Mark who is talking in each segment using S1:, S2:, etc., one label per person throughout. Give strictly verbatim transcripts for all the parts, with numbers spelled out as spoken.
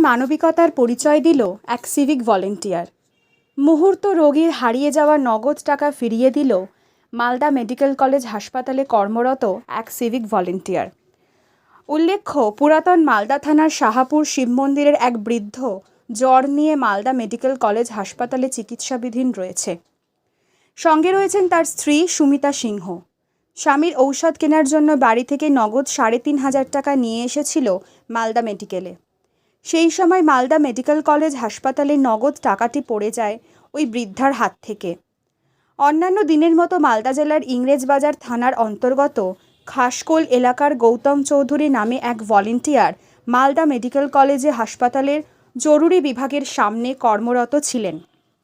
S1: মানবিকতার পরিচয় দিল এক সিভিক ভলেন্টিয়ার। মুহূর্ত রোগীর হারিয়ে যাওয়া নগদ টাকা ফিরিয়ে দিল মালদা মেডিকেল কলেজ হাসপাতালে কর্মরত এক সিভিক ভলেন্টিয়ার। উল্লেখ্য, পুরাতন মালদা থানার শাহাপুর শিব মন্দিরের এক বৃদ্ধ জ্বর নিয়ে মালদা মেডিকেল কলেজ হাসপাতালে চিকিৎসাধীন রয়েছে। সঙ্গে রয়েছেন তার স্ত্রী সুমিতা সিংহ। স্বামীর ঔষধ কেনার জন্য বাড়ি থেকে নগদ সাড়ে তিন হাজার টাকা নিয়ে এসেছিল মালদা মেডিকেলে। সেই সময় মালদা মেডিকেল কলেজ হাসপাতালে নগদ টাকাটি পড়ে যায় ওই বৃদ্ধার হাত থেকে। অন্যান্য দিনের মতো মালদা জেলার ইংরেজবাজার থানার অন্তর্গত খাসকোল এলাকার গৌতম চৌধুরী নামে এক ভলেন্টিয়ার মালদা মেডিকেল কলেজে হাসপাতালের জরুরি বিভাগের সামনে কর্মরত ছিলেন।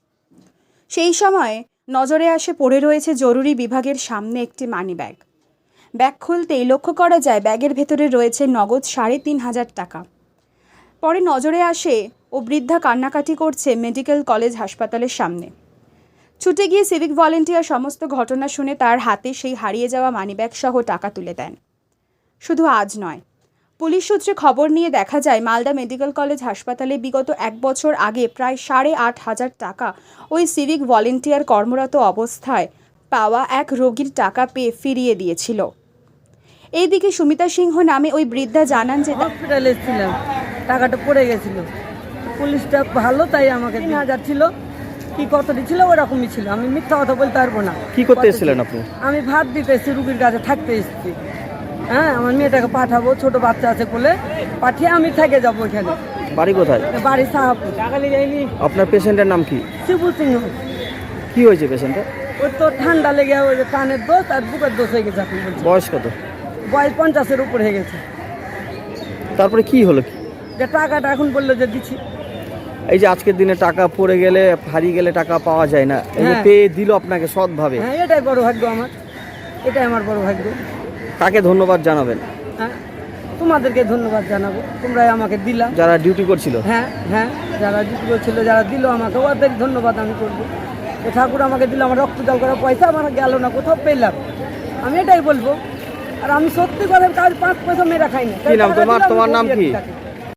S1: সেই সময় নজরে আসে পড়ে রয়েছে জরুরি বিভাগের সামনে একটি মানিব্যাগ। ব্যাগ খুলতেই লক্ষ্য করা যায় ব্যাগের ভেতরে রয়েছে নগদ সাড়ে তিন হাজার টাকা। পরে নজরে আসে ও বৃদ্ধা কান্নাকাটি করছে মেডিকেল কলেজ হাসপাতালের সামনে। ছুটে গিয়ে সিভিক ভলেন্টিয়ার সমস্ত ঘটনা শুনে তার হাতে সেই হারিয়ে যাওয়া মানিব্যাগ সহ টাকা তুলে দেন। শুধু আজ নয়, পুলিশ সূত্রে খবর নিয়ে দেখা যায় মালদা মেডিকেল কলেজ হাসপাতালে বিগত এক বছর আগে প্রায় সাড়ে আট হাজার টাকা ওই সিভিক ভলেন্টিয়ার কর্মরত অবস্থায় পাওয়া এক রোগীর টাকা পেয়ে ফিরিয়ে দিয়েছিল। এইদিকে সুমিতা সিংহ নামে ওই বৃদ্ধা জানান যে
S2: হসপিটালে ছিলাম, টাকাটা পড়ে গেছিল। পুলিশটা ভালো, তাই আমাকে তিন হাজার ছিল কি কতটি ছিল ওরকমই ছিল। আমি মিথ্যা কথা বলতে পারবো না।
S3: কি করতে এসেছিলেন আপনি?
S2: আমি ভাত দিতে এসেছি, রুগীর কাছে থাকতে এসেছি। হ্যাঁ, আমার মেয়েটাকে পাঠাবো, ছোট বাচ্চা আছে কোলে, পাঠিয়ে আমি থেকে যাবো এখানে।
S3: বাড়ি কোথায়?
S2: বাড়ি সাহাপুর।
S3: আপনার পেশেন্টের নাম কি?
S2: শিবু সিংহ।
S3: কি হয়েছে পেশেন্টের?
S2: ওই তো ঠান্ডা লেগে ওই যে কানের দোষ আর বুকের দোষ হয়ে গেছে। আপনি বলছেন
S3: বয়স কত?
S2: বয়স পঞ্চাশের উপর হয়ে গেছে।
S3: তারপরে কি হলো? কি
S2: যে টাকাটা এখন বললো যে দিচ্ছি।
S3: এই যে আজকের দিনে টাকা পড়ে গেলে, হারিয়ে গেলে টাকা পাওয়া যায় না, এই যে
S2: হ্যাঁ।
S3: পেয়ে দিল আপনাকে সৎভাবে,
S2: হ্যাঁ, এটাই বড় ভাগ্য আমার, এটাই আমার বড় ভাগ্য।
S3: কাকে ধন্যবাদ জানাবেন?
S2: হ্যাঁ, তোমাদেরকে ধন্যবাদ জানাবো, তোমরাই আমাকে দিলা।
S3: যারা ডিউটি করছিল?
S2: হ্যাঁ হ্যাঁ, যারা ডিউটি করছিল, যারা দিল আমাকে, ওদের ধন্যবাদ আমি করবো। যে ঠাকুর আমাকে দিল, আমার রক্ত জল করা পয়সা আমার গেল না, কোথাও পেলাম, আমি এটাই বলবো। আর আমি সত্যি করে কাজ পাঁচ পয়সা মেয়েরা খাই না।
S3: কি নাম তোমার? তোমার নাম কি?